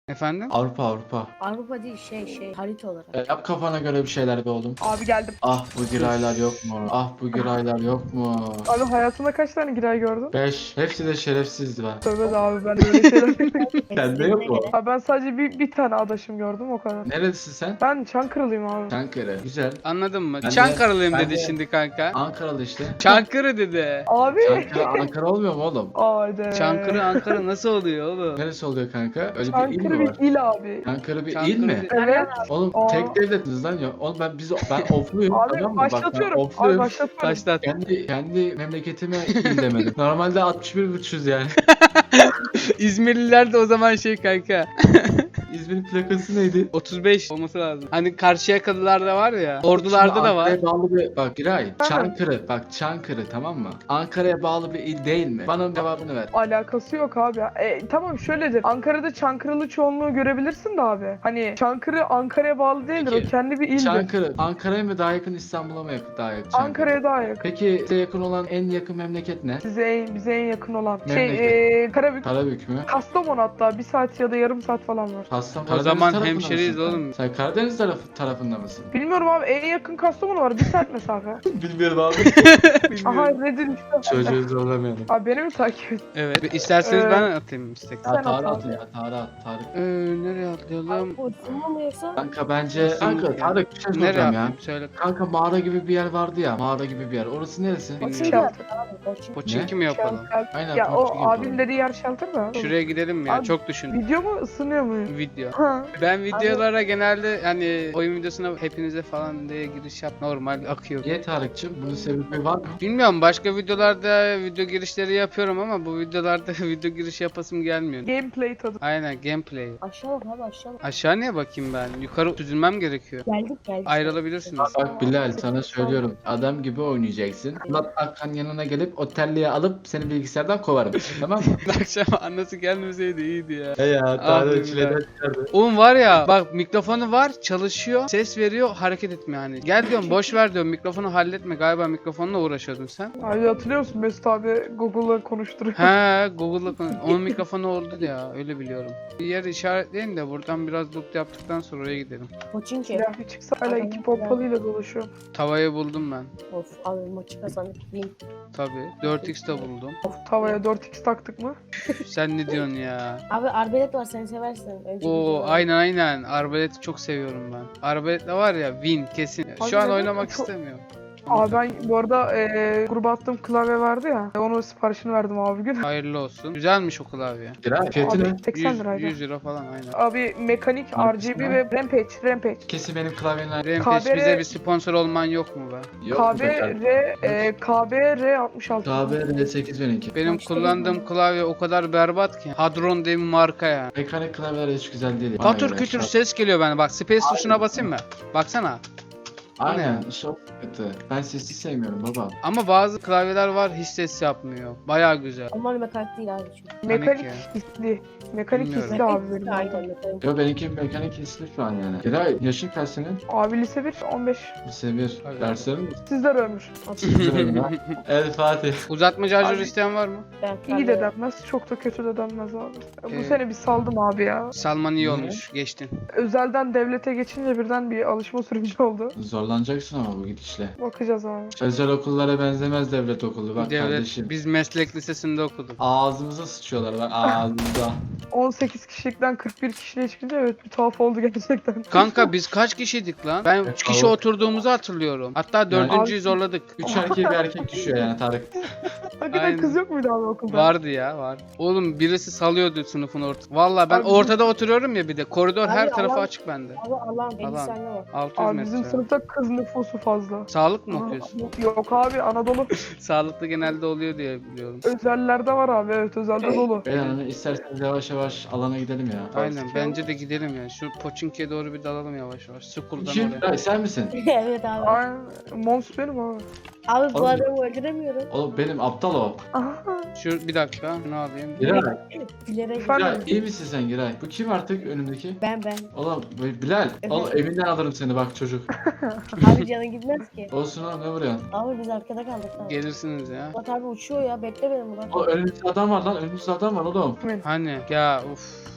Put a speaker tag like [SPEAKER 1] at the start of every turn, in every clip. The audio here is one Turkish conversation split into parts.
[SPEAKER 1] Efendim?
[SPEAKER 2] Avrupa Avrupa.
[SPEAKER 3] Avrupa değil harita olarak.
[SPEAKER 2] Yap kafana göre bir şeyler be oğlum.
[SPEAKER 4] Abi geldim.
[SPEAKER 2] Ah bu giraylar yok mu? Ah bu giraylar yok mu?
[SPEAKER 4] Abi hayatında kaç tane giray gördün?
[SPEAKER 2] 5. Hepsi de şerefsizdi ben.
[SPEAKER 4] Tövbe de abi ben öyle şeyler
[SPEAKER 2] Sende yok mu?
[SPEAKER 4] Abi ben sadece bir tane adaşım gördüm o kadar.
[SPEAKER 2] Nerelisin sen?
[SPEAKER 4] Ben Çankırılıyım abi.
[SPEAKER 2] Çankırı. Güzel.
[SPEAKER 1] Anladın mı?
[SPEAKER 2] Ben de-
[SPEAKER 1] Çankırılıyım
[SPEAKER 2] ben
[SPEAKER 1] dedi
[SPEAKER 2] de-
[SPEAKER 1] şimdi kanka.
[SPEAKER 2] Ankaralı işte.
[SPEAKER 1] Çankırı dedi.
[SPEAKER 4] Abi.
[SPEAKER 2] Çankırı Ankara olmuyor mu oğlum?
[SPEAKER 4] Haydi.
[SPEAKER 1] Çankırı Ankara nasıl oluyor oğlum?
[SPEAKER 2] Neresi oluyor kanka? Öyle bir il
[SPEAKER 4] Çankırı
[SPEAKER 2] mi var?
[SPEAKER 4] bir il abi.
[SPEAKER 2] Çankırı bir il
[SPEAKER 1] Çankırı
[SPEAKER 2] mi?
[SPEAKER 1] bir-
[SPEAKER 4] Evet.
[SPEAKER 2] Oğlum
[SPEAKER 4] Aa.
[SPEAKER 2] tek devletiniz lan ya. Oğlum ben ofluyum
[SPEAKER 4] Abi
[SPEAKER 2] tamam mı? Bak ben
[SPEAKER 4] başlatıyorum. Abi
[SPEAKER 2] ofluyum.
[SPEAKER 4] başlatıyorum.
[SPEAKER 1] Başlat.
[SPEAKER 2] Kendi memleketime il demedim. Normalde 61,500 yani.
[SPEAKER 1] İzmirliler de o zaman şey kanka.
[SPEAKER 2] İzmir'in plakası neydi?
[SPEAKER 1] 35 olması lazım. Hani Karşıyakalılar da var ya. Ordularda
[SPEAKER 2] Şimdi
[SPEAKER 1] da var.
[SPEAKER 2] Ankara'ya bağlı bir bak Giray.
[SPEAKER 4] Tamam.
[SPEAKER 2] Çankırı bak Çankırı tamam mı? Ankara'ya bağlı bir il değil mi? Bana onun cevabını ver.
[SPEAKER 4] Alakası yok abi. Tamam şöyledir. Ankara'da Çankırılı çoğunluğu görebilirsin de abi. Hani Çankırı Ankara'ya bağlı değildir.
[SPEAKER 2] Peki,
[SPEAKER 4] O kendi bir ildir.
[SPEAKER 2] Çankırı Ankara'ya mı daha yakın İstanbul'a mı daha yakın? Çankırı?
[SPEAKER 4] Ankara'ya daha yakın.
[SPEAKER 2] Peki size yakın olan en yakın memleket ne?
[SPEAKER 4] Bize en yakın olan.
[SPEAKER 2] Memleket.
[SPEAKER 4] Karabük.
[SPEAKER 2] Karabük mü?
[SPEAKER 4] Kastamonu hatta 1 saat ya da yarım saat falan var.
[SPEAKER 2] Kastamonu.
[SPEAKER 1] O zaman
[SPEAKER 2] Karadeniz tarafında
[SPEAKER 1] hemşeriyiz
[SPEAKER 2] mısın?
[SPEAKER 1] oğlum.
[SPEAKER 2] Sen Karadeniz tarafında mısın?
[SPEAKER 4] Bilmiyorum abi en yakın Kastamonu var 1 saat mesafe.
[SPEAKER 2] Bilmiyorum abi.
[SPEAKER 4] Aha Reddit işte.
[SPEAKER 2] Çocuğu zorlamayalım.
[SPEAKER 4] Abi beni mi takip et?
[SPEAKER 1] Evet. İsterseniz
[SPEAKER 4] Ee,
[SPEAKER 1] ben atayım istek.
[SPEAKER 4] Sen
[SPEAKER 2] Ya Tarık
[SPEAKER 4] at
[SPEAKER 2] atın
[SPEAKER 4] abi.
[SPEAKER 2] ya Tarık Tarık.
[SPEAKER 1] Nereye atlayalım?
[SPEAKER 3] O ısınma mı yoksa?
[SPEAKER 2] Kanka bence
[SPEAKER 1] Nasıl
[SPEAKER 2] kanka
[SPEAKER 1] ya?
[SPEAKER 2] Tarık bir şey
[SPEAKER 1] Nereye
[SPEAKER 2] soracağım ya.
[SPEAKER 1] atlayayım? Söyle.
[SPEAKER 2] Kanka mağara gibi bir yer vardı ya. Mağara gibi bir yer. Orası neresi?
[SPEAKER 3] Koçinki
[SPEAKER 1] Bilmiyorum.
[SPEAKER 3] yaptık abi koçinki.
[SPEAKER 1] Poçinki mi yapalım?
[SPEAKER 2] Aynen.
[SPEAKER 4] Ya
[SPEAKER 2] Porçik
[SPEAKER 4] o
[SPEAKER 2] yapalım.
[SPEAKER 4] abinin dediği yer shelter da.
[SPEAKER 1] Şuraya gidelim mi ya?
[SPEAKER 4] Abi-
[SPEAKER 1] Çok düşün.
[SPEAKER 4] Video mu ısınıyor mu?
[SPEAKER 1] Video.
[SPEAKER 4] Ha.
[SPEAKER 1] Ben videolara genelde hani oyun videosuna hepinize falan diye giriş yap normal akıyor.
[SPEAKER 2] Niye Tarık'cığım? Bunun sebebi var mı?
[SPEAKER 1] Bilmiyorum başka videolarda video girişleri yapıyorum ama bu videolarda video giriş yapasım gelmiyor.
[SPEAKER 4] Gameplay tadı.
[SPEAKER 1] Aynen gameplay.
[SPEAKER 3] Aşağı bak abi aşağı bak.
[SPEAKER 1] Aşağı niye bakayım ben? Yukarı süzülmem gerekiyor.
[SPEAKER 3] Geldik.
[SPEAKER 1] Ayrılabilirsiniz.
[SPEAKER 2] Bak Bilal sana söylüyorum. Adam gibi oynayacaksın. Murat Akkan yanına gelip otelliğe alıp seni bilgisayardan kovarım. Tamam mı?
[SPEAKER 1] Akşam annesi gelmeseydi iyiydi ya.
[SPEAKER 2] He ya
[SPEAKER 1] Tarık çileden
[SPEAKER 2] çıkardı.
[SPEAKER 1] Oğlum var ya bak mikrofonu var çalışıyor ses veriyor hareket etmiyor hani. Gel diyorum boş ver diyorum mikrofonu halletme galiba mikrofonla uğraşıyordun sen.
[SPEAKER 4] Abi hatırlıyor musun Mesut abi Google'la konuşturuyor.
[SPEAKER 1] He Google'la konuş. Onun mikrofonu oldu ya öyle biliyorum. Bir yer işaretleyin de buradan biraz loot yaptıktan sonra oraya gidelim.
[SPEAKER 3] Koçinki.
[SPEAKER 4] Silah bir çıksa hala 2 pompalıyla dolaşıyor.
[SPEAKER 1] Tavayı buldum ben.
[SPEAKER 3] Of abi maçı kazandık. Win.
[SPEAKER 1] Tabii 4x de buldum.
[SPEAKER 4] Of tavaya 4x taktık mı?
[SPEAKER 1] Sen ne diyorsun ya?
[SPEAKER 3] Abi arbelet var sen seversin. Önceki
[SPEAKER 1] Oo
[SPEAKER 3] videoda.
[SPEAKER 1] aynen. Arbaleti çok seviyorum ben. Arbaletle var ya win kesin.
[SPEAKER 4] Abi
[SPEAKER 1] Şu an
[SPEAKER 4] neden?
[SPEAKER 1] oynamak
[SPEAKER 4] Çok-
[SPEAKER 1] istemiyorum.
[SPEAKER 4] Abi ben bu arada gruba attığım klavye vardı ya. Onun siparişini verdim abi gün.
[SPEAKER 1] Hayırlı olsun. Güzelmiş o klavye.
[SPEAKER 2] Giray fiyatı ne?
[SPEAKER 4] Abi 80
[SPEAKER 1] 100,
[SPEAKER 4] liraydı.
[SPEAKER 1] 100 lira falan aynen.
[SPEAKER 4] Abi mekanik,
[SPEAKER 2] Hangisi
[SPEAKER 4] RGB
[SPEAKER 2] lan?
[SPEAKER 4] ve Rampage.
[SPEAKER 2] Kesin benim klavyeler
[SPEAKER 1] Rampage
[SPEAKER 4] KBR
[SPEAKER 1] bize bir sponsor olman yok mu be?
[SPEAKER 2] yok mu tekrar?
[SPEAKER 4] KBR 66.
[SPEAKER 2] KBR 8012.
[SPEAKER 1] Benim
[SPEAKER 3] İşte
[SPEAKER 1] kullandığım klavye o kadar berbat ki. Hadron diye bir marka ya.
[SPEAKER 2] Mekanik klavyeler hiç güzel değil. Bana
[SPEAKER 1] Patır
[SPEAKER 2] göre.
[SPEAKER 1] kütür ses geliyor bana. Bak space tuşuna basayım mı? Baksana.
[SPEAKER 2] Aynen çok kötü. Ben sesi sevmiyorum baba.
[SPEAKER 1] Ama bazı klavyeler var hiç ses yapmıyor. Baya güzel.
[SPEAKER 3] Onlar mekanik değil abi çünkü.
[SPEAKER 4] Mekanik
[SPEAKER 1] ya.
[SPEAKER 4] hisli. Mekanik
[SPEAKER 1] Bilmiyorum.
[SPEAKER 4] hisli abi benim.
[SPEAKER 3] Aynen mekanik.
[SPEAKER 2] Yo benimki mekanik hisli şu an yani. Giray yaşın kaç senin?
[SPEAKER 4] Abi lise 1 15.
[SPEAKER 2] Lise 1.
[SPEAKER 1] Hadi.
[SPEAKER 2] Derslerin mi?
[SPEAKER 4] Sizler ölmüş.
[SPEAKER 2] El Fatih.
[SPEAKER 1] Uzatma şarjör
[SPEAKER 4] Abi-
[SPEAKER 1] isteyen var mı?
[SPEAKER 3] Ben
[SPEAKER 4] İyi de denmez, çok da kötü de denmez abi. Bu
[SPEAKER 1] Ee,
[SPEAKER 4] sene bir saldım abi ya.
[SPEAKER 1] Salman iyi
[SPEAKER 2] Ne?
[SPEAKER 1] olmuş. Geçtin.
[SPEAKER 4] Özelden devlete geçince birden bir alışma süreci oldu.
[SPEAKER 2] Zorlanacaksın ama bu gidişle.
[SPEAKER 4] Bakacağız abi.
[SPEAKER 2] Özel okullara benzemez devlet okulu bak
[SPEAKER 1] Devlet,
[SPEAKER 2] kardeşim.
[SPEAKER 1] biz meslek lisesinde okuduk.
[SPEAKER 2] Ağzımıza sıçıyorlar bak ağzımıza.
[SPEAKER 4] 18 kişilikten 41 kişiliğe çıkınca evet bir tuhaf oldu gerçekten.
[SPEAKER 1] Kanka biz kaç kişiydik lan? Ben 3 kişi
[SPEAKER 2] Evet.
[SPEAKER 1] oturduğumuzu hatırlıyorum. Hatta dördüncüyü
[SPEAKER 4] Abi-
[SPEAKER 1] zorladık.
[SPEAKER 2] 3 erkek bir erkek düşüyor yani Tarık.
[SPEAKER 4] Hakikaten
[SPEAKER 1] Aynen.
[SPEAKER 4] kız yok muydu abi okulda?
[SPEAKER 1] Vardı ya var. Oğlum birisi salıyordu sınıfın ortasında. Valla ben
[SPEAKER 4] Abi-
[SPEAKER 1] ortada oturuyorum ya bir de. Koridor her
[SPEAKER 3] Abi
[SPEAKER 1] tarafı
[SPEAKER 3] Allah-
[SPEAKER 1] açık bende.
[SPEAKER 3] Abi Allah'ım 50
[SPEAKER 1] Alan.
[SPEAKER 3] saniye var.
[SPEAKER 1] 600
[SPEAKER 4] Abi bizim
[SPEAKER 1] metre.
[SPEAKER 4] sınıfta kız nüfusu fazla.
[SPEAKER 1] Sağlık mı
[SPEAKER 4] Aa,
[SPEAKER 1] okuyorsun?
[SPEAKER 4] Yok abi Anadolu
[SPEAKER 1] Sağlıklı genelde oluyor diye biliyorum.
[SPEAKER 4] özellerde var abi evet özelde dolu.
[SPEAKER 2] Beyler hani isterseniz yavaş yavaş alana gidelim ya.
[SPEAKER 1] Aynen bence de gidelim ya. Şu Poçinki'ye doğru bir dalalım yavaş yavaş. School'dan
[SPEAKER 2] Kim?
[SPEAKER 1] oraya.
[SPEAKER 2] Ay, sen misin?
[SPEAKER 3] Evet abi.
[SPEAKER 4] Aynen. Mons benim abi.
[SPEAKER 3] Abi bu
[SPEAKER 2] Oğlum-
[SPEAKER 3] adamı öldüremiyorum.
[SPEAKER 2] Oğlum benim aptal o.
[SPEAKER 4] Aha.
[SPEAKER 1] Şu bir dakika şunu alayım.
[SPEAKER 2] Giray.
[SPEAKER 3] Bilerek.
[SPEAKER 4] Efendim?
[SPEAKER 2] Giray iyi misin sen Giray? Bu kim artık önümdeki?
[SPEAKER 3] Ben.
[SPEAKER 2] Oğlum Bilal. Oğlum evinden alırım seni bak çocuk.
[SPEAKER 3] Abi canın gitmez ki.
[SPEAKER 2] Olsun oğlum ne vuruyorsun?
[SPEAKER 3] Abi biz arkada kaldık abi.
[SPEAKER 1] Gelirsiniz ya.
[SPEAKER 3] Murat abi uçuyor ya bekle beni Murat.
[SPEAKER 2] O önümüzde adam var lan önümüzde adam var oğlum.
[SPEAKER 1] Hani ya uf.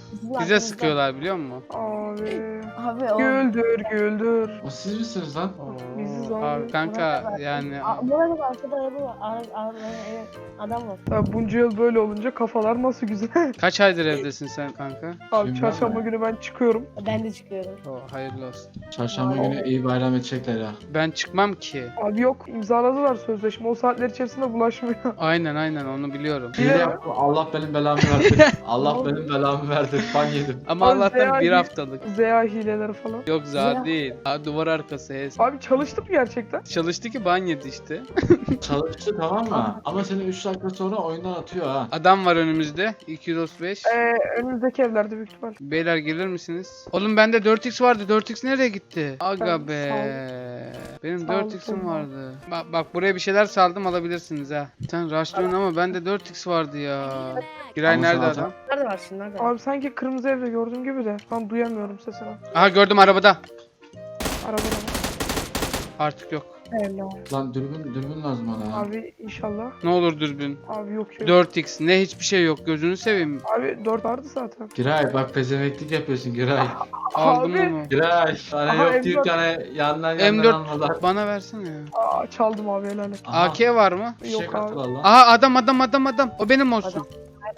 [SPEAKER 3] Sizin
[SPEAKER 1] Bize
[SPEAKER 3] arkanızda.
[SPEAKER 1] sıkıyorlar biliyor musun?
[SPEAKER 4] Abi.
[SPEAKER 3] Abi o.
[SPEAKER 4] Güldür güldür.
[SPEAKER 2] O siz misiniz lan?
[SPEAKER 4] Biziz
[SPEAKER 1] Oo,
[SPEAKER 4] abi.
[SPEAKER 1] abi kanka yani
[SPEAKER 3] Bu arada arkada araba var. Evet, adam var.
[SPEAKER 4] Ya bunca yıl böyle olunca kafalar nasıl güzel.
[SPEAKER 1] kaç aydır evdesin sen kanka?
[SPEAKER 4] Abi
[SPEAKER 2] Şimdi
[SPEAKER 4] çarşamba
[SPEAKER 2] ben-
[SPEAKER 4] günü ben çıkıyorum.
[SPEAKER 3] Ben de çıkıyorum.
[SPEAKER 1] Hayırlı olsun.
[SPEAKER 2] Çarşamba
[SPEAKER 3] Aa,
[SPEAKER 2] günü iyi bayram edecekler ya.
[SPEAKER 1] Ben çıkmam ki.
[SPEAKER 4] Abi yok imzaladılar sözleşme. O saatler içerisinde bulaşmıyor.
[SPEAKER 1] Aynen onu biliyorum.
[SPEAKER 4] Yine
[SPEAKER 2] Hile
[SPEAKER 4] mi?
[SPEAKER 2] yaptım. Allah benim belamı verdi. Allah benim belamı verdi. Ban yedim.
[SPEAKER 1] Ama
[SPEAKER 4] Abi
[SPEAKER 1] Allah'tan
[SPEAKER 4] Zeya
[SPEAKER 1] bir
[SPEAKER 4] gibi-
[SPEAKER 1] haftalık.
[SPEAKER 4] ZA hileleri falan.
[SPEAKER 1] Yok
[SPEAKER 3] Zeya.
[SPEAKER 1] za değil. Ha, duvar arkası hes.
[SPEAKER 4] Abi çalıştı mı gerçekten?
[SPEAKER 1] Çalıştı ki ban yedi işte.
[SPEAKER 2] Çalıştı tamam mı? Ama seni 3 dakika sonra oyundan atıyor ha.
[SPEAKER 1] Adam var önümüzde. 235.
[SPEAKER 4] Önümüzdeki evlerde büyük ihtimal.
[SPEAKER 1] Beyler gelir misiniz? Oğlum bende 4x vardı. 4x nereye gitti? Aga
[SPEAKER 4] Tamam,
[SPEAKER 1] be.
[SPEAKER 4] sağ
[SPEAKER 1] Benim
[SPEAKER 4] Sağ ol,
[SPEAKER 1] 4x'im
[SPEAKER 4] sağ ol.
[SPEAKER 1] vardı. Bak buraya bir şeyler saldım alabilirsiniz ha. Sen rushlıyorsun ama bende 4x vardı ya. Giray
[SPEAKER 2] Ama
[SPEAKER 1] nerede
[SPEAKER 2] sana-
[SPEAKER 1] adam?
[SPEAKER 3] Nerede var şimdi? Nerede?
[SPEAKER 4] Abi sanki kırmızı evde gördüğüm gibi de. Ben duyamıyorum sesini.
[SPEAKER 1] Aha gördüm arabada.
[SPEAKER 4] Arabada mı?
[SPEAKER 1] Artık yok.
[SPEAKER 3] Hello.
[SPEAKER 2] Lan dürbün lazım bana ha.
[SPEAKER 4] Abi inşallah.
[SPEAKER 1] Ne olur dürbün.
[SPEAKER 4] Abi yok şey.
[SPEAKER 1] 4x ne hiçbir şey yok gözünü seveyim.
[SPEAKER 4] Abi 4 vardı zaten.
[SPEAKER 2] Giray bak pezemeklik yapıyorsun Giray.
[SPEAKER 1] Aldım
[SPEAKER 4] Abi.
[SPEAKER 1] onu.
[SPEAKER 2] Giray. Sana
[SPEAKER 4] Aha,
[SPEAKER 2] yok deyip
[SPEAKER 4] M4.
[SPEAKER 2] tane yandan
[SPEAKER 1] M4
[SPEAKER 2] almalar.
[SPEAKER 1] bana versene ya.
[SPEAKER 4] Aa, çaldım abi helal et.
[SPEAKER 2] Aha,
[SPEAKER 1] AK var mı?
[SPEAKER 2] fişek
[SPEAKER 4] Yok abi.
[SPEAKER 2] attılar lan.
[SPEAKER 1] Aha adam. O benim olsun.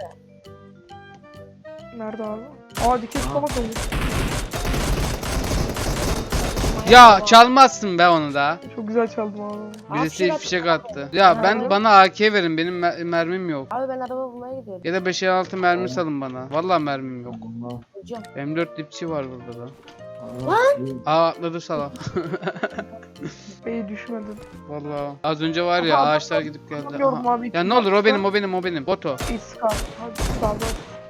[SPEAKER 4] Nerede abi? Aa dikiş
[SPEAKER 2] Aa.
[SPEAKER 4] tabak olmuş.
[SPEAKER 1] Ya çalmazsın be onu da.
[SPEAKER 4] Çok güzel çaldım abi.
[SPEAKER 1] Birisi
[SPEAKER 3] Abi,
[SPEAKER 1] fişek attı. Ya ben bana AK verin benim mermim yok.
[SPEAKER 3] Abi ben araba bulmaya gidiyorum.
[SPEAKER 1] Ya da 556 mermi salın bana. Vallahi mermim yok.
[SPEAKER 2] Allah,
[SPEAKER 3] Hocam.
[SPEAKER 1] M4 dipçi var burada da.
[SPEAKER 2] Allah.
[SPEAKER 1] Aa atladı salak.
[SPEAKER 4] Bey düşmedin.
[SPEAKER 1] Vallahi. Az önce var ya
[SPEAKER 4] Aha,
[SPEAKER 1] ağaçlar gidip geldi.
[SPEAKER 4] Bilmiyorum
[SPEAKER 1] Aha.
[SPEAKER 4] abi.
[SPEAKER 1] Ya ne olur o benim. Boto.
[SPEAKER 4] İskar. Hadi sağda.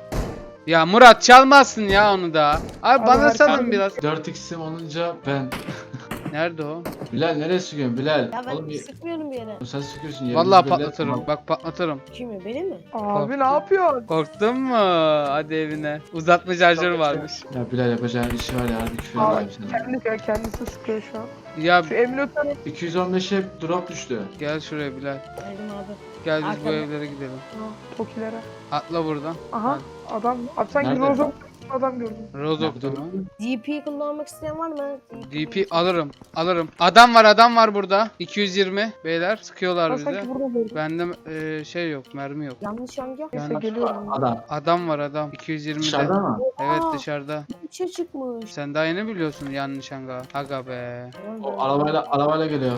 [SPEAKER 1] Ya Murat çalmazsın ya onu da. Abi
[SPEAKER 4] Abi
[SPEAKER 1] bana
[SPEAKER 4] her
[SPEAKER 1] salın
[SPEAKER 4] şey-
[SPEAKER 1] biraz.
[SPEAKER 2] 4x'im olunca ben.
[SPEAKER 1] Nerede o?
[SPEAKER 2] Bilal nereye sıkıyorsun Bilal?
[SPEAKER 3] Ya ben
[SPEAKER 2] Oğlum
[SPEAKER 3] sıkmıyorum bir yere.
[SPEAKER 2] sen sıkıyorsun yerini
[SPEAKER 1] Vallahi
[SPEAKER 2] belli
[SPEAKER 1] patlatırım.
[SPEAKER 2] etme.
[SPEAKER 1] Bak patlatırım.
[SPEAKER 3] Kimi? Benim mi?
[SPEAKER 4] Abi
[SPEAKER 1] Korktum.
[SPEAKER 4] ne yapıyorsun?
[SPEAKER 1] Korktun mu? Hadi evine. Uzatma şarjörü varmış.
[SPEAKER 2] Ya Bilal yapacağın işi var ya hadi küfür
[SPEAKER 4] Abi
[SPEAKER 2] edeyim sana.
[SPEAKER 4] kendisi sıkıyor şu an.
[SPEAKER 1] Ya
[SPEAKER 4] Şu emniyetler
[SPEAKER 2] 215'e drop düştü.
[SPEAKER 1] gel şuraya Bilal.
[SPEAKER 3] Geldim abi.
[SPEAKER 1] Gel biz bu
[SPEAKER 3] Arkada.
[SPEAKER 1] evlere gidelim.
[SPEAKER 4] Tokilere.
[SPEAKER 1] Atla buradan.
[SPEAKER 4] Aha adam. Abi sanki
[SPEAKER 2] Nerede?
[SPEAKER 4] Rozok adam gördüm.
[SPEAKER 1] Rozok'ta mı?
[SPEAKER 3] DP kullanmak isteyen var mı?
[SPEAKER 1] DP alırım. Adam var burada. 220 beyler sıkıyorlar
[SPEAKER 4] Ben
[SPEAKER 1] bize.
[SPEAKER 4] sanki burada gördüm.
[SPEAKER 1] Bende şey yok, mermi yok.
[SPEAKER 3] Yanlış hangi?
[SPEAKER 4] Neyse
[SPEAKER 1] Yani-
[SPEAKER 4] geliyorum.
[SPEAKER 2] Adam.
[SPEAKER 1] Adam var 220'de.
[SPEAKER 2] Dışarıda mı?
[SPEAKER 1] Evet
[SPEAKER 3] Aa.
[SPEAKER 1] dışarıda.
[SPEAKER 3] İçe çıkmış.
[SPEAKER 1] Sen daha yeni biliyorsun yanlış hanga. Aga be.
[SPEAKER 2] O arabayla geliyor.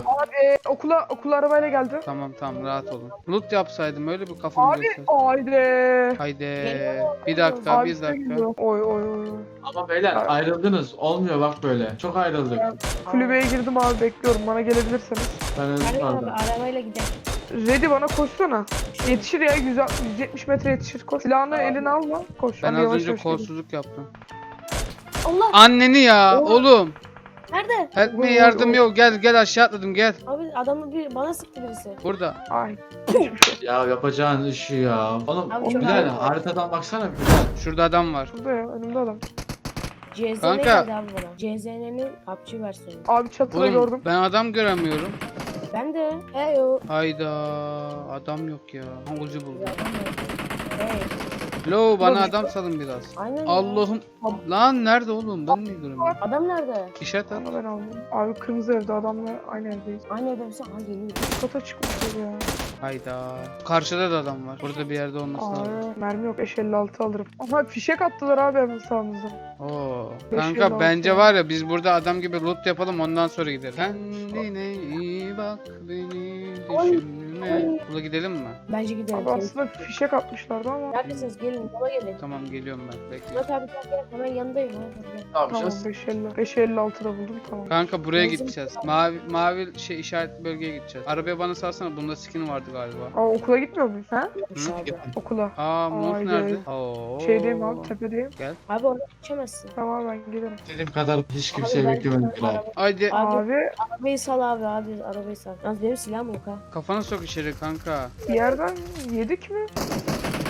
[SPEAKER 4] Okula arabayla geldi.
[SPEAKER 1] Tamam rahat olun. Loot yapsaydım öyle bir kafamı
[SPEAKER 4] Abi
[SPEAKER 1] göster.
[SPEAKER 4] haydi.
[SPEAKER 1] Haydi.
[SPEAKER 3] Geliyor.
[SPEAKER 1] Bir dakika
[SPEAKER 4] Abi
[SPEAKER 1] bir
[SPEAKER 4] size
[SPEAKER 1] dakika.
[SPEAKER 4] geliyor. Oy.
[SPEAKER 2] Ama beyler ayrıldınız. Olmuyor bak böyle. Çok ayrıldık.
[SPEAKER 4] Kulübeye girdim abi bekliyorum. Bana gelebilirseniz.
[SPEAKER 2] Ben özür
[SPEAKER 3] Nerede abi?
[SPEAKER 2] pardon.
[SPEAKER 3] Arabayla gidelim.
[SPEAKER 4] Ready bana koşsana. Yetişir ya 170 metre yetişir. Koş. Silahını eline alma. Koş.
[SPEAKER 1] Ben
[SPEAKER 4] Hadi
[SPEAKER 1] az
[SPEAKER 4] yavaş
[SPEAKER 1] önce
[SPEAKER 4] yavaş gidelim.
[SPEAKER 1] kolsuzluk yaptım.
[SPEAKER 3] Allah!
[SPEAKER 1] Anneni ya
[SPEAKER 4] Oo.
[SPEAKER 1] oğlum.
[SPEAKER 3] Nerede?
[SPEAKER 1] Help me
[SPEAKER 4] Oo,
[SPEAKER 1] yardım
[SPEAKER 4] oo.
[SPEAKER 1] yok. Gel aşağı atladım gel.
[SPEAKER 3] Abi adamı bana sıktı birisi.
[SPEAKER 1] Burada.
[SPEAKER 4] Ay.
[SPEAKER 2] Ya yapacağın işi ya. Oğlum
[SPEAKER 3] Abi çok
[SPEAKER 2] Bilal
[SPEAKER 3] ağır.
[SPEAKER 2] haritadan baksana Bilal.
[SPEAKER 1] Şurada adam var.
[SPEAKER 4] Burada ya önümde adam.
[SPEAKER 3] CZN
[SPEAKER 1] Kanka.
[SPEAKER 3] geldi abi bana. CZN'nin PUBG versiyonu.
[SPEAKER 4] Abi çatıda
[SPEAKER 1] Oğlum
[SPEAKER 4] gördüm.
[SPEAKER 1] ben adam göremiyorum.
[SPEAKER 3] Ben de. Heyo.
[SPEAKER 1] Hayda adam yok ya. Ucu
[SPEAKER 3] Bir
[SPEAKER 1] buldum.
[SPEAKER 3] adam var. Hey.
[SPEAKER 1] Lo bana
[SPEAKER 4] Ulan-
[SPEAKER 1] adam salın biraz.
[SPEAKER 3] Aynen ya.
[SPEAKER 1] Allah'ım. Lan nerede oğlum? Ben niye göremiyorum?
[SPEAKER 3] Adam nerede?
[SPEAKER 1] İşaret at.
[SPEAKER 4] Onu ben aldım. Abi kırmızı evde adamla aynı evdeyiz.
[SPEAKER 3] Aynı evde misin? Ha geliyor.
[SPEAKER 4] Kata çıkmışlar ya.
[SPEAKER 1] Hayda. Karşıda da adam var. Burada bir yerde olması lazım.
[SPEAKER 4] Aa, mermi yok 556 alırım. Aha fişek attılar abi hemen sağımızda.
[SPEAKER 1] Oo.
[SPEAKER 4] 556
[SPEAKER 1] Kanka bence
[SPEAKER 4] ya.
[SPEAKER 1] var ya biz burada adam gibi loot yapalım ondan sonra gidelim. Kendine iyi bak beni düşünme. Buna gidelim mi?
[SPEAKER 3] Bence gidelim.
[SPEAKER 4] Abi aslında fişek atmışlardı ama.
[SPEAKER 3] Neredesiniz? Gelin. Yola gelin.
[SPEAKER 1] Tamam geliyorum ben. Bekle.
[SPEAKER 3] Murat abi gel. Hemen yanındayım. Hadi gel.
[SPEAKER 2] Ne
[SPEAKER 4] Tamam
[SPEAKER 2] yapacağız?
[SPEAKER 4] 556 da buldum tamam.
[SPEAKER 1] Kanka buraya
[SPEAKER 3] Benzin-
[SPEAKER 1] gideceğiz. Mavi şey işaret bölgeye gideceğiz. Arabaya bana salsana. Bunda skin vardı galiba.
[SPEAKER 4] Aa okula gitmiyor muyuz? Ha?
[SPEAKER 3] Yokmuş abi.
[SPEAKER 4] Okula.
[SPEAKER 1] Aa Mut
[SPEAKER 4] Haydi.
[SPEAKER 1] nerede? Oo.
[SPEAKER 4] Şeydeyim abi tepedeyim.
[SPEAKER 3] Abi oraya geçemezsin.
[SPEAKER 4] Tamam ben gelirim.
[SPEAKER 2] Dediğim kadar hiç kimseyi
[SPEAKER 3] Abi ben-
[SPEAKER 2] beklemedim Bilal.
[SPEAKER 1] Haydi
[SPEAKER 3] Abi,
[SPEAKER 4] Abi
[SPEAKER 3] arabayı sal abi. Abi arabayı sal. Yalnız benim silahım yok ha.
[SPEAKER 1] kafana sok içeri kanka.
[SPEAKER 4] bir yerden yedik mi?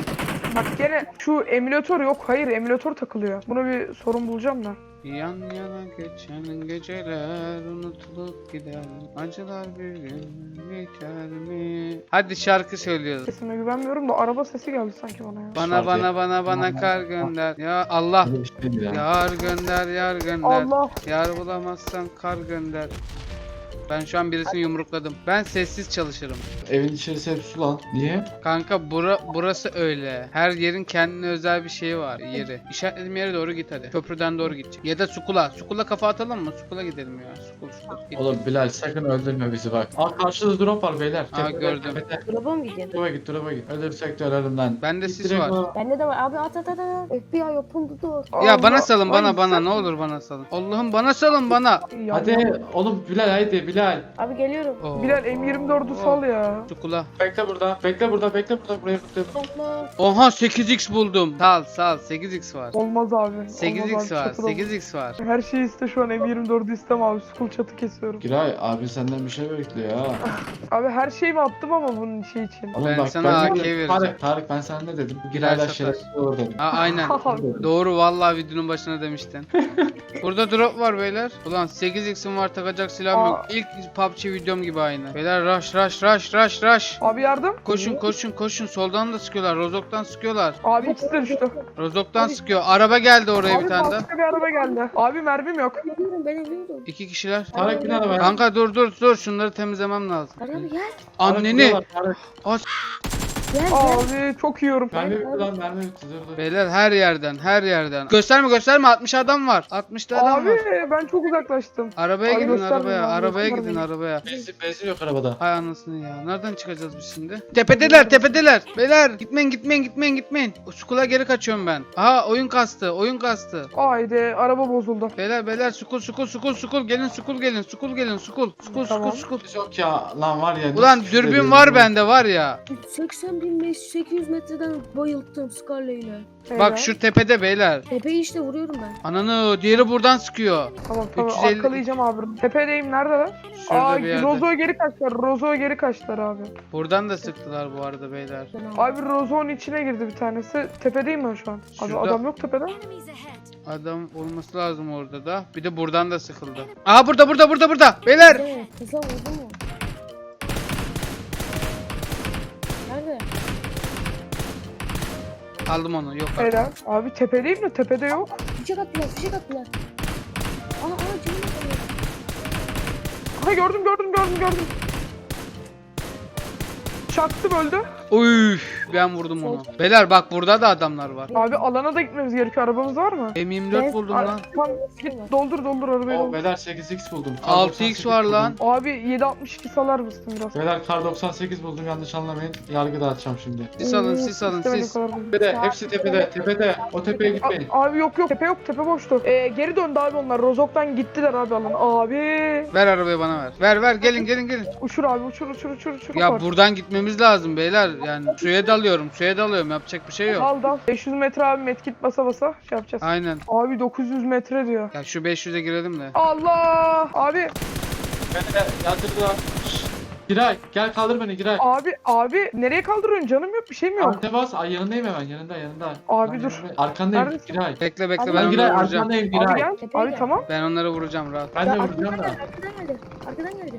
[SPEAKER 4] Bak gene şu emülatör yok. Hayır emülatör takılıyor. Buna bir sorun bulacağım da.
[SPEAKER 1] Yan yana geçen geceler unutulup gider. Acılar bir gün geçer mi? Hadi şarkı söylüyoruz.
[SPEAKER 4] Sesime güvenmiyorum da araba sesi geldi sanki bana ya.
[SPEAKER 1] Bana kar gönder. Ya Allah.
[SPEAKER 2] Öyle bir şey değil ya.
[SPEAKER 1] Yar gönder, yar gönder.
[SPEAKER 4] Allah.
[SPEAKER 1] Yar bulamazsan kar gönder. Ben şu an birisini yumrukladım. Ben sessiz çalışırım.
[SPEAKER 2] Evin içerisi hep su lan. Niye?
[SPEAKER 1] Kanka burası öyle. Her yerin kendine özel bir şeyi var. Yeri. İşaretlediğim yere doğru git hadi. Köprüden doğru gidecek. Ya da Sukula. Sukula kafa atalım mı? Sukula gidelim ya. Sukul. Git.
[SPEAKER 2] Oğlum Bilal sakın öldürme bizi bak. Aa karşıda drop var beyler.
[SPEAKER 1] Aa, gördüm.
[SPEAKER 3] Drop'a mı gidiyorsun?
[SPEAKER 2] Drop'a git. Ölürsek de ölelim lan.
[SPEAKER 1] Bende
[SPEAKER 2] Git
[SPEAKER 1] sis
[SPEAKER 2] direkt
[SPEAKER 1] var.
[SPEAKER 2] o-
[SPEAKER 3] Bende de var. Abi at. FBI yapıldı dur.
[SPEAKER 1] Ya
[SPEAKER 4] Allah.
[SPEAKER 1] bana salın
[SPEAKER 4] Ay,
[SPEAKER 1] bana
[SPEAKER 4] sen-
[SPEAKER 1] ne olur bana salın. Allah'ım bana salın bana.
[SPEAKER 4] Ya,
[SPEAKER 2] Hadi oğlum Bilal haydi Bilal.
[SPEAKER 3] Abi geliyorum.
[SPEAKER 1] Oo,
[SPEAKER 4] Bilal M24'ü sal ya.
[SPEAKER 1] Sukula.
[SPEAKER 2] Bekle burada. Bekle burada buraya bekle.
[SPEAKER 3] Allah.
[SPEAKER 1] Oha 8x buldum. Sal 8x var.
[SPEAKER 4] Olmaz abi.
[SPEAKER 1] 8x
[SPEAKER 4] Olmaz abi,
[SPEAKER 1] var.
[SPEAKER 4] çatıda-
[SPEAKER 1] 8x var.
[SPEAKER 4] Her şeyi iste şu an M24'ü istem abi. School çatı kesiyorum.
[SPEAKER 2] Giray abi senden bir şey bekliyor ha.
[SPEAKER 4] Abi her şeyimi attım ama bunun şey için.
[SPEAKER 2] Oğlum
[SPEAKER 1] Ben sana AK vereceğim.
[SPEAKER 2] Tarık ben sana ne dedim? Bu
[SPEAKER 1] Her
[SPEAKER 2] Giray'la
[SPEAKER 1] sefer.
[SPEAKER 2] şerefsiz olur dedim.
[SPEAKER 1] Ha aynen. Doğru vallahi videonun başına demiştin. Burada drop var beyler. Ulan 8x'im var takacak silahım yok. İlk PUBG videom gibi aynı. Beyler rush.
[SPEAKER 4] Abi yardım.
[SPEAKER 1] Koşun soldan da sıkıyorlar. Rozok'tan sıkıyorlar.
[SPEAKER 4] Abi ikisi de düştü.
[SPEAKER 1] Rozok'tan sıkıyor. Araba geldi oraya
[SPEAKER 4] Abi
[SPEAKER 1] bir tane daha.
[SPEAKER 4] başka bir araba geldi. Abi mermim yok.
[SPEAKER 3] Ben ölüyorum.
[SPEAKER 1] 2 kişiler.
[SPEAKER 2] Tarık bin arabaya.
[SPEAKER 1] Kanka dur şunları temizlemem lazım.
[SPEAKER 3] Abi gel.
[SPEAKER 1] Anneni.
[SPEAKER 2] Tarık.
[SPEAKER 3] Gel.
[SPEAKER 4] Abi çok yiyorum.
[SPEAKER 2] Mermi bitti lan mermi bitti dur.
[SPEAKER 1] Beyler her yerden. Gösterme 60 adam var. 60 adam
[SPEAKER 4] Abi
[SPEAKER 1] var.
[SPEAKER 4] ben çok uzaklaştım.
[SPEAKER 1] Arabaya
[SPEAKER 4] Abi
[SPEAKER 1] gidin
[SPEAKER 4] göstermeyin abi,
[SPEAKER 1] arabaya
[SPEAKER 4] göstermeyin.
[SPEAKER 1] gidin arabaya.
[SPEAKER 2] Benzin yok arabada.
[SPEAKER 1] Hay anasını ya. Nereden çıkacağız biz şimdi? Tepedeler. Beyler gitmeyin. Skula geri kaçıyorum ben. Aha oyun kastı.
[SPEAKER 4] Haydi araba bozuldu.
[SPEAKER 1] Beyler skul gelin skul gelin.
[SPEAKER 4] Tamam.
[SPEAKER 2] Yok ya lan var ya.
[SPEAKER 1] Ulan
[SPEAKER 2] nasıl
[SPEAKER 1] dürbün
[SPEAKER 2] şöyle
[SPEAKER 1] var
[SPEAKER 2] bir-
[SPEAKER 1] bende var ya.
[SPEAKER 3] 80.800 metreden bayılttım Scarlet ile.
[SPEAKER 1] Bak şu tepede beyler.
[SPEAKER 3] Tepeyi işte vuruyorum ben.
[SPEAKER 1] Ananı diğeri buradan sıkıyor.
[SPEAKER 4] Tamam
[SPEAKER 1] 350
[SPEAKER 4] arkalayacağım abi. Tepedeyim neredeler?
[SPEAKER 1] Şurada bir yerde.
[SPEAKER 4] Rozo'ya geri kaçtılar abi.
[SPEAKER 1] Buradan da sıktılar bu arada beyler.
[SPEAKER 4] Abi Rozo'nun içine girdi bir tanesi. Tepedeyim ben şu an. Abi
[SPEAKER 1] Şurada-
[SPEAKER 4] adam yok tepede.
[SPEAKER 1] Adam olması lazım orada da. Bir de buradan da sıkıldı. Aha burada. Beyler.
[SPEAKER 3] Nerede? Kısa vurdu mu? Nerede?
[SPEAKER 1] Aldım onu. Yok.
[SPEAKER 4] Helal. Abi tepedeyim de tepede yok.
[SPEAKER 3] Fişek attılar. Aa canım atıyor.
[SPEAKER 4] Aha gördüm. Çaktım öldü.
[SPEAKER 1] Uy, ben vurdum onu. Beyler bak burada da adamlar var.
[SPEAKER 4] Abi alana da gitmemiz gerekiyor. Arabamız var mı?
[SPEAKER 1] M24 buldum lan.
[SPEAKER 4] Tamam git doldur arabayı.
[SPEAKER 2] O
[SPEAKER 4] doldur.
[SPEAKER 2] beyler 8x buldum. Kar
[SPEAKER 1] 6x
[SPEAKER 2] 98
[SPEAKER 1] var
[SPEAKER 2] buldum.
[SPEAKER 1] lan.
[SPEAKER 4] Abi 7.62 salar mısın biraz?
[SPEAKER 2] Beyler kar 98 buldum yanlış anlamayın. Yargı dağıtacağım şimdi.
[SPEAKER 1] Sis alın.
[SPEAKER 4] İstemedim o kadar buldum.
[SPEAKER 2] Tepede hepsi tepede. O tepeye gitmeyin.
[SPEAKER 4] Abi yok tepe boştu. Geri döndü abi onlar. Rozok'tan gittiler abi alan. Abi
[SPEAKER 1] Ver arabayı bana ver. Ver gelin.
[SPEAKER 4] uçur abi uçur.
[SPEAKER 1] Ya
[SPEAKER 4] Kopar.
[SPEAKER 1] buradan gitmemiz lazım beyler. Yani suya dalıyorum. Yapacak bir şey yok.
[SPEAKER 4] Dal 500 metre abi medkit basa şey yapacağız.
[SPEAKER 1] Aynen.
[SPEAKER 4] Abi 900 metre diyor.
[SPEAKER 1] Ya şu 500'e girelim de.
[SPEAKER 4] Allah abi
[SPEAKER 2] Beni yatırdılar. Şşş. Giray gel kaldır beni Giray.
[SPEAKER 4] abi nereye kaldırıyorsun canım yok bir şeyim yok.
[SPEAKER 2] Ante bas. Ay yanındayım hemen yanında.
[SPEAKER 4] Abi
[SPEAKER 2] Lan
[SPEAKER 4] dur.
[SPEAKER 2] yanındayım. Arkandayım
[SPEAKER 4] Neredesin?
[SPEAKER 2] Giray.
[SPEAKER 1] Bekle
[SPEAKER 3] Abi
[SPEAKER 1] ben
[SPEAKER 2] Ben Giray
[SPEAKER 1] onları vuracağım.
[SPEAKER 2] arkandayım
[SPEAKER 4] Abi
[SPEAKER 2] Giray.
[SPEAKER 4] gel.
[SPEAKER 3] Tepeye
[SPEAKER 4] Abi
[SPEAKER 3] gel.
[SPEAKER 4] tamam.
[SPEAKER 1] Ben onları vuracağım rahat.
[SPEAKER 2] Ben de
[SPEAKER 3] Arkadan
[SPEAKER 2] vuracağım da.
[SPEAKER 3] Arkadan geldi.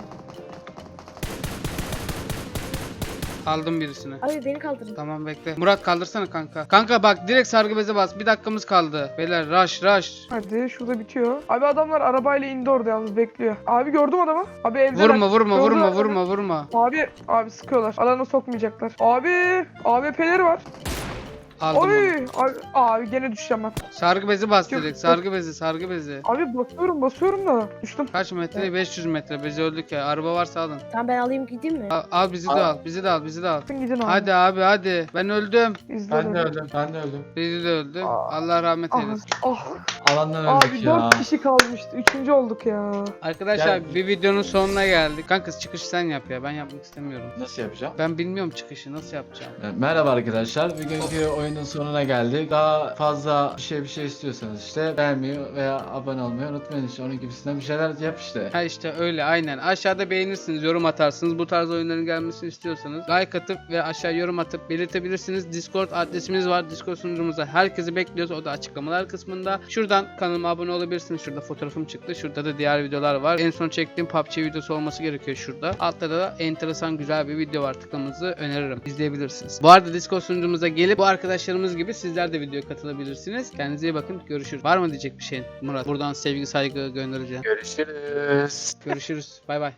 [SPEAKER 1] Aldım birisini.
[SPEAKER 3] Abi beni kaldırın.
[SPEAKER 1] Tamam bekle. Murat kaldırsana kanka. Kanka bak direkt sargı beze bas. Bir dakikamız kaldı. Beyler rush.
[SPEAKER 4] Hadi şurada bitiyor. Abi adamlar arabayla indi orada yalnız bekliyor. Abi gördüm adamı. Abi evdeler.
[SPEAKER 1] Vurma.
[SPEAKER 4] Abi sıkıyorlar. Alana sokmayacaklar. Abi AWP'leri var.
[SPEAKER 1] Aldım onu.
[SPEAKER 4] Oy. Abi gene düşeceğim ben.
[SPEAKER 1] Sargı bezi bas
[SPEAKER 4] Yok,
[SPEAKER 1] direkt.
[SPEAKER 4] yok.
[SPEAKER 1] Sargı bezi.
[SPEAKER 4] Abi basıyorum da düştüm.
[SPEAKER 1] Kaç metre? 500 metre. Biz öldük ya. Araba varsa alın.
[SPEAKER 3] Tamam ben alayım gideyim mi?
[SPEAKER 1] Al bizi de al. Bizi de al.
[SPEAKER 4] Gidin abi.
[SPEAKER 1] Hadi abi hadi. Ben öldüm.
[SPEAKER 2] Ben de öldüm.
[SPEAKER 1] Bizi de öldü.
[SPEAKER 4] Aa.
[SPEAKER 1] Allah rahmet
[SPEAKER 4] Ah,
[SPEAKER 1] eylesin.
[SPEAKER 2] Alandan
[SPEAKER 4] abi
[SPEAKER 2] öldük ya.
[SPEAKER 4] 4 kişi kalmıştı. 3. olduk ya.
[SPEAKER 1] Arkadaşlar
[SPEAKER 2] Gel.
[SPEAKER 1] bir videonun sonuna geldik. Kanka çıkış sen yap ya. Ben yapmak istemiyorum.
[SPEAKER 2] Nasıl yapacağım?
[SPEAKER 1] Ben bilmiyorum çıkışı nasıl yapacağım.
[SPEAKER 2] Merhaba arkadaşlar. Bugünkü oyun oyunun sonuna geldik. Daha fazla bir şey istiyorsanız işte beğenmeyi veya abone olmayı unutmayın işte. Onun gibisinden bir şeyler yap işte.
[SPEAKER 1] Ha işte öyle aynen. Aşağıda beğenirsiniz, yorum atarsınız. Bu tarz oyunların gelmesini istiyorsanız like atıp ve aşağı yorum atıp belirtebilirsiniz. Discord adresimiz var. Discord sunucumuza herkesi bekliyoruz. O da açıklamalar kısmında. Şuradan kanalıma abone olabilirsiniz. Şurada fotoğrafım çıktı. Şurada da diğer videolar var. En son çektiğim PUBG videosu olması gerekiyor şurada. Altta da enteresan güzel bir video var. Tıklamanızı öneririm. İzleyebilirsiniz. Bu arada Discord sunucumuza gelip bu arkadaşlarımız gibi sizler de videoya katılabilirsiniz. Kendinize iyi bakın. Görüşürüz. Var mı diyecek bir şeyin Murat? Buradan sevgi saygı göndereceğim.
[SPEAKER 2] Görüşürüz.
[SPEAKER 1] Görüşürüz. Bay bay.